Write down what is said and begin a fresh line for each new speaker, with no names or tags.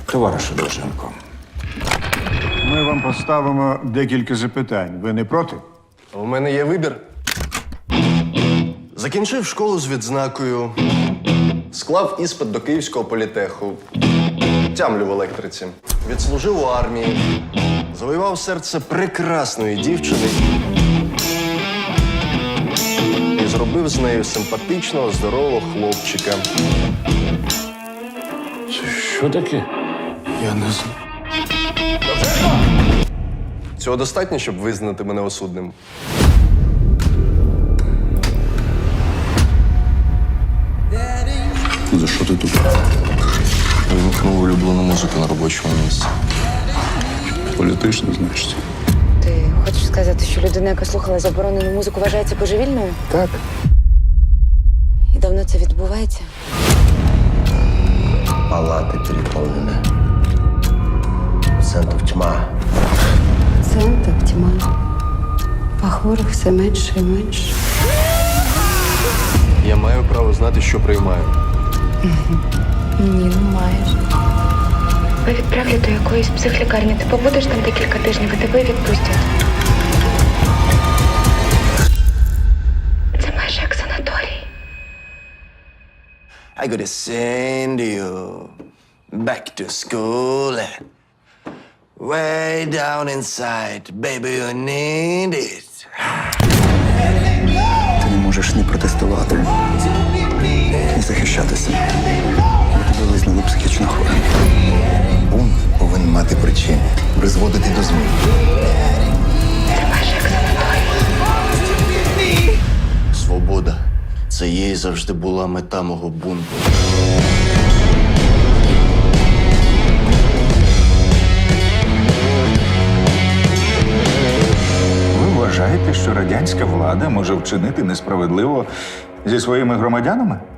Товаришу Довженко,
Ми вам поставимо декілька запитань. Ви не проти?
У мене є вибір. Закінчив школу з відзнакою, склав іспит до Київського політеху, тямлю в електриці, відслужив у армії, завоював серце прекрасної дівчини і зробив з нею симпатичного, здорового хлопчика.
що таке?
Я не знаю. Цього достатньо, щоб визнати мене осудним.
За що ти тут?
Вимкнув улюблену музику на робочому місці.
Політично, значить.
Ти хочеш сказати, що людина, яка слухала заборонену музику, вважається божевільною?
Так.
І давно це відбувається?
Палаты переполнены. Пациентов тьма.
Пацієнтів тьма. А хворих все менше і менше.
Я маю право знати, що приймаю.
Ні, не маєш.
Ви відправлять до якоїсь психлікарні. Ти побудеш там декілька тижнів, і тебе відпустять. Це майже як санаторій.
I gotta send you back to school. Way down inside, baby, you need it.
Ти не можеш ні протестувати, ні захищатися. Бо тебе визнали психічно хворим.
Бунт повинен мати причини, призводити до змін.
Це майже як санаторій.
Свобода. Це є і завжди була мета мого бунту.
Ви вважаєте, що радянська влада може вчинити несправедливо зі своїми громадянами?